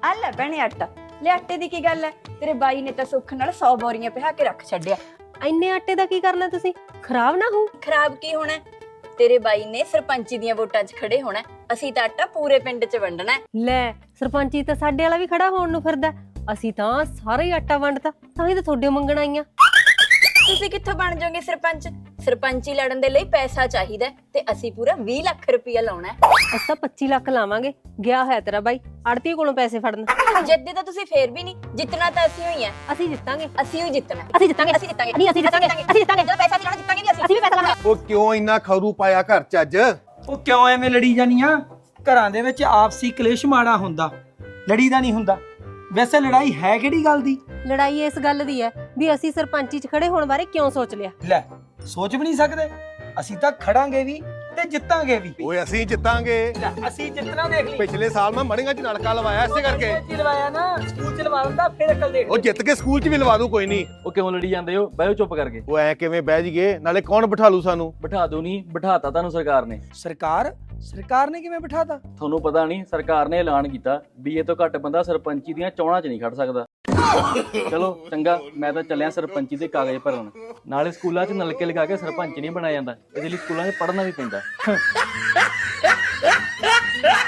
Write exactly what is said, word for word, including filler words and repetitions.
ਆ ਲੈ ਭੈਣੇ ਆਟਾ ਲੈ। ਆਟੇ ਦੀ ਕੀ ਗੱਲ ਹੈ, ਤੇਰੇ ਬਾਈ ਨੇ ਤਾਂ ਸੁੱਖ ਨਾਲ ਸੌ ਬੋਰੀਆਂ ਪਿਹਾ ਕੇ ਰੱਖ ਛੱਡਿਆ। ਇੰਨੇ ਆਟੇ ਦਾ ਕੀ ਕਰਨਾ ਤੁਸੀਂ? ਖਰਾਬ ਨਾ ਹੋ। ਖਰਾਬ ਕੀ ਹੋਣਾ, ਤੇਰੇ ਬਾਈ ਨੇ ਸਰਪੰਚੀ ਦੀਆਂ ਵੋਟਾਂ 'ਚ ਖੜੇ ਹੋਣਾ, ਅਸੀਂ ਤਾਂ ਆਟਾ ਪੂਰੇ ਪਿੰਡ 'ਚ ਵੰਡਣਾ। ਲੈ ਸਰਪੰਚੀ ਤਾਂ ਸਾਡੇ ਵਾਲਾ ਵੀ ਖੜਾ ਹੋਣ ਨੂੰ ਫਿਰਦਾ, ਅਸੀਂ ਤਾਂ ਸਾਰਾ ਹੀ ਆਟਾ ਵੰਡਤਾ, ਤਾਂ ਹੀ ਤਾਂ ਤੁਹਾਡੇ ਮੰਗਣ ਆਈਆਂ। ਤੁਸੀਂ ਕਿੱਥੋਂ ਬਣ ਜਾਓਗੇ ਸਰਪੰਚ? ਸਰਪੰਚੀ ਲੜਨ ਦੇ ਲਈ ਪੈਸਾ ਚਾਹੀਦਾ ਤੇ ਅਸੀਂ ਪੂਰਾ ਵੀਹ ਲੱਖ ਰੁਪਇਆ ਲਾਉਣਾ ਹੈ। ਅਸੀਂ ਤਾਂ ਪੱਚੀ ਲੱਖ ਲਾਵਾਂਗੇ। ਗਿਆ ਹੈ ਤੇਰਾ ਬਾਈ ਆੜਤੀ ਕੋਲੋਂ ਪੈਸੇ ਫੜਨ। ਜਿੱਦੇ ਤਾਂ ਤੁਸੀਂ ਫੇਰ ਵੀ ਨਹੀਂ ਜਿੱਤਣਾ, ਤਾਂ ਅਸੀਂ ਹੋਈ ਆ। ਅਸੀਂ ਜਿੱਤਾਂਗੇ, ਅਸੀਂ ਹੀ ਜਿੱਤਣਾ, ਅਸੀਂ ਜਿੱਤਾਂਗੇ, ਅਸੀਂ ਜਿੱਤਾਂਗੇ, ਨਹੀਂ ਅਸੀਂ ਜਿੱਤਾਂਗੇ, ਅਸੀਂ ਜਿੱਤਾਂਗੇ। ਜਦੋਂ ਪੈਸਾ ਦੇਣਾ ਜਿੱਤਾਂਗੇ ਵੀ ਅਸੀਂ ਅਸੀਂ ਵੀ ਪੈਸਾ ਲਾਵਾਂਗੇ। ਉਹ ਕਿਉਂ ਇੰਨਾ ਖਰੂ ਪਾਇਆ ਘਰ ਚ ਅੱਜ? ਉਹ ਕਿਉਂ ਐਵੇਂ ਲੜੀ ਜਾਨੀਆਂ? ਘਰਾਂ ਦੇ ਵਿੱਚ ਆਪਸੀ ਕਲੇਸ਼ ਮਾੜਾ ਹੁੰਦਾ, ਲੜੀ ਦਾ ਨਹੀਂ ਹੁੰਦਾ। ਵੈਸੇ ਲੜਾਈ ਹੈ ਕਿਹੜੀ ਗੱਲ ਦੀ? ਲੜਾਈ ਇਸ ਗੱਲ ਦੀ ਹੈ ਵੀ ਅਸੀਂ ਸਰਪੰਚੀ 'ਚ ਖੜੇ ਹੋਣ ਬਾਰੇ ਕਿਉਂ ਸੋਚ ਲਿਆ। ਲੈ ਸੋਚ ਵੀ ਨਹੀਂ ਸਕਦੇ, ਅਸੀਂ ਤਾਂ ਖੜਾਂਗੇ ਵੀ ਤੇ ਜਿੱਤਾਂਗੇ ਵੀ। ਓਏ ਅਸੀਂ ਜਿੱਤਾਂਗੇ। ਲੈ, ਅਸੀਂ ਜਿੱਤਣਾ ਦੇਖ ਲਈ। ਪਿਛਲੇ ਸਾਲ ਮੈਂ ਮੜੀਆਂ ਚ ਨਲਕਾ ਲਵਾਇਆ ਇਸੇ ਕਰਕੇ। ਸਕੂਲ ਚ ਲਵਾਇਆ ਨਾ, ਸਕੂਲ ਚ ਲਵਾ ਦਿੰਦਾ ਫਿਰ ਅਕਲ ਦੇਖ। ਉਹ ਜਿੱਤ ਕੇ ਸਕੂਲ ਚ ਵੀ ਲਵਾ ਦੂ, ਕੋਈ ਨਹੀਂ। ਉਹ ਕਿਉਂ ਲੜੀ ਜਾਂਦੇ ਹੋ? ਬਹਿਓ ਚੁੱਪ ਕਰਕੇ। ਉਹ ਐ ਕਿਵੇਂ ਬਹਿ ਜੀਏ, ਨਾਲੇ ਕੌਣ ਬਿਠਾ ਲੂ ਸਾਨੂੰ? ਬਿਠਾ ਦੋ ਨਹੀਂ, ਬਿਠਾਤਾ ਤੁਹਾਨੂੰ ਸਰਕਾਰ ਨੇ। ਸਰਕਾਰ ਸਰਕਾਰ ਨੇ ਕਿਵੇਂ ਬਿਠਾਤਾ? ਤੁਹਾਨੂੰ ਪਤਾ ਨਹੀਂ, ਸਰਕਾਰ ਨੇ ਐਲਾਨ ਕੀਤਾ ਵੀ ਇਹ ਤੋਂ ਘੱਟ ਬੰਦਾ ਸਰਪੰਚੀ ਦੀਆਂ ਚੋਣਾਂ 'ਚ ਨਹੀਂ ਖੜ ਸਕਦਾ। ਚਲੋ ਚੰਗਾ, ਮੈਂ ਤਾਂ ਚੱਲਿਆ ਸਰਪੰਚੀ ਦੇ ਕਾਗਜ਼ ਭਰਨ। ਨਾਲੇ ਸਕੂਲਾਂ 'ਚ ਨਲਕੇ ਲਗਾ ਕੇ ਸਰਪੰਚ ਨਹੀਂ ਬਣਾਇਆ ਜਾਂਦਾ, ਇਹਦੇ ਲਈ ਸਕੂਲਾਂ 'ਚ ਪੜ੍ਹਨਾ ਵੀ ਪੈਂਦਾ।